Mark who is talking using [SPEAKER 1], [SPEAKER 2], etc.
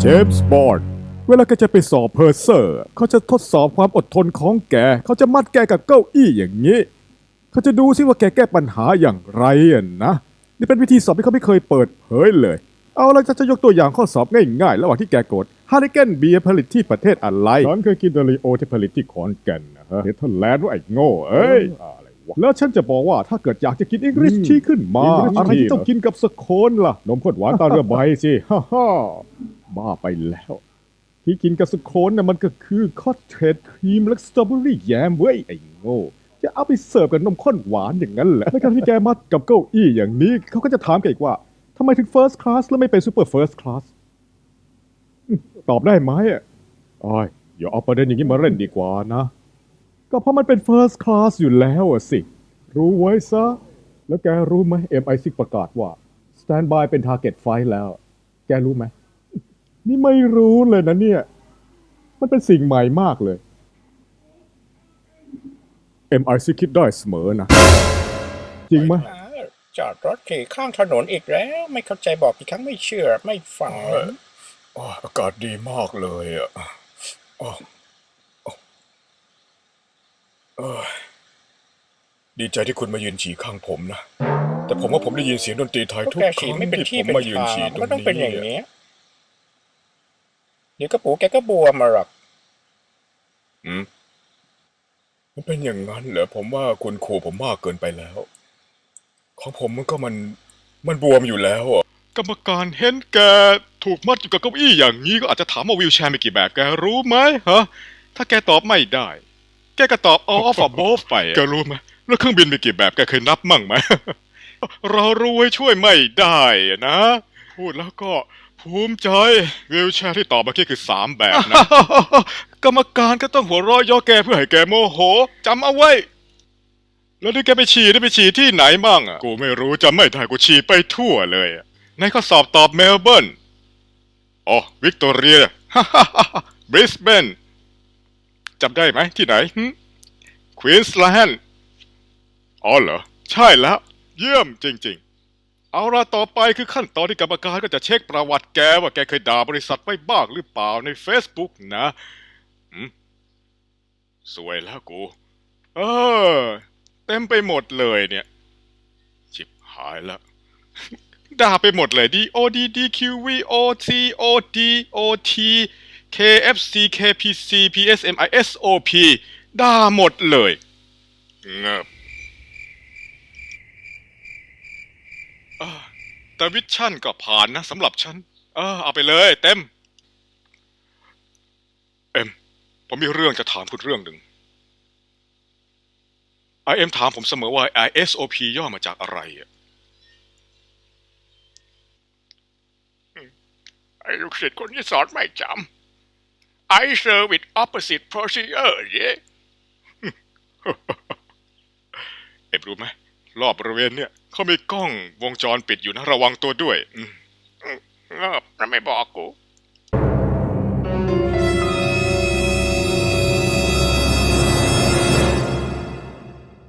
[SPEAKER 1] เจมส์บอนด์เวลาแกจะไปสอบเพอร์เซอร์เขาจะทดสอบความอดทนของแกเขาจะมัดแกกับเก้าอี้อย่างนี้เขาจะดูซิว่าแกแก้ปัญหาอย่างไรนะนี่เป็นวิธีสอบที่เขาไม่เคยเปิดเผยเลยเอาละจะยกตัวอย่างข้อสอบง่ายๆระหว่างที่แกกดฮาริเกนเบียร์ผลิตที่ประเทศอะไรฉันเคยกินเดลิโอที่ผลิตที่ขอนแก่นนะฮะเนเธอร์แลนด์ว่าไอ้โง่เอ้ยแล้วฉันจะบอกว่าถ้าเกิดอยากจะกินอังกฤษที่ขึ้นมาอะไรที่ต้องกินกับสโคนล่ะนมข้นหวานตาเรือใบสิฮ่าฮ่าบ้าไปแล้วที่กินกับสโคนน่ะมันก็คือคอตเทจครีมและสตรอเบอรี่แยมเว้ยไอ้โง่จะเอาไปเสิร์ฟกับนมข้นหวานอย่างนั้นแหละในการที่แกมัดกับเก้าอี้อย่างนี้เขาก็จะถามแกอีกว่าทำไมถึง First Class แล้วไม่เป็น Super First Class ตอบได้ไหมอ้อยอย่าเอาประเด็นอย่างนี้มาเล่นดีกว่านะก็เพราะมันเป็น First Class อยู่แล้วสิรู้ไว้ซะแล้วแกรู้ไหม MI6 ประกาศว่า Standby เป็น Target Flight แล้วแกรู้ไหมนี่ไม่รู้เลยนะเนี่ยมันเป็นสิ่งใหม่มากเลย MI6 คิดได้เสมอนะจริงไหม
[SPEAKER 2] จอดรถขี่ข้างถนนอีกแล้วไม่เข้าใจบอกกี่ครั้งไม่เชื่อไม่ฟัง
[SPEAKER 3] อากาศดีมากเลยอ่ะดีใจที่คุณมายืนฉี่ข้างผมนะแต่ผมว่าผมได้ยินเสียงดนตรีไทย
[SPEAKER 2] พวก
[SPEAKER 3] ทุก
[SPEAKER 2] แก
[SPEAKER 3] ค
[SPEAKER 2] ฉี่
[SPEAKER 3] รั้ง
[SPEAKER 2] ไม่เป็น
[SPEAKER 3] ที่
[SPEAKER 2] ที่
[SPEAKER 3] ผม
[SPEAKER 2] เป็น
[SPEAKER 3] มายืน
[SPEAKER 2] ทาง
[SPEAKER 3] ฉี่ตรง
[SPEAKER 2] ก็ต้องเป็นอย่าง
[SPEAKER 3] นี้
[SPEAKER 2] นี้เดี๋ยวกระปูแกก็บวมมาหรอก
[SPEAKER 3] มันเป็นอย่างนั้นเหรอผมว่าคุณขู่ผมมากเกินไปแล้ว ของผมมันบวมอยู่แล้วอ่ะกรรมการเห็นแกถูกมัดอยู่กับเก้าอี้อย่างนี้ก็อาจจะถามว่าวีลแชร์มีกี่แบบแกรู้ไหมฮะถ้าแกตอบไม่ได้แกก็ตอบ all of above ไปแกรู้ไหมแล้วเครื่องบินมีกี่แบบแกเคยนับมั่งไหม เรารู้ไว้ช่วยไม่ได้นะพูดแล้วก็ภูมิใจวีลแชร์ที่ตอบเมื่อกี้คือ3แบบนะ กรรมการก็ต้องหัวเราะย่อแกเพื่อให้แกโมโหจำเอาไว้ แล้วนี่แกไปฉี่ได้ไปฉี่ที่ไหนบ้างอ่ะกูไม่รู้จำไม่ได้กูฉี่ไปทั่วเลยในข้อสอบตอบเมลเบิร์นอ๋อวิกตอเรีย บริสเบนจำได้ไหมที่ไหนควีนส์แลนด์อ๋อเหรอใช่แล้วเยี่ยมจริงๆเอาละต่อไปคือขั้นตอนที่กรรมการก็จะเช็คประวัติแกว่าแกเคยด่าบริษัทไว้บ้างหรือเปล่าใน Facebook นะสวยแล้วกูเออเต็มไปหมดเลยเนี่ยชิบหายแล้ว ด่าไปหมดเลย DOD DQV OTOD OT KFC KPC PSMI SOP ด่าหมดเลยเงบแต่วิชั่นก็ผ่านนะสำหรับฉันเอาไปเลยเต็มผมมีเรื่องจะถามคุณเรื่องหนึ่ง IM ถามผมเสมอว่า ISOP ย่อมาจากอะไรไอ้ลูกศิษย์คนนี้สอนไม่จำ I serve with opposite procedure เย่รู้ไหมรอบบริเวณเนี่ยเขามีกล้องวงจรปิดอยู่นะระวังตัวด้วย
[SPEAKER 2] เงบแล้วไม่บอกกู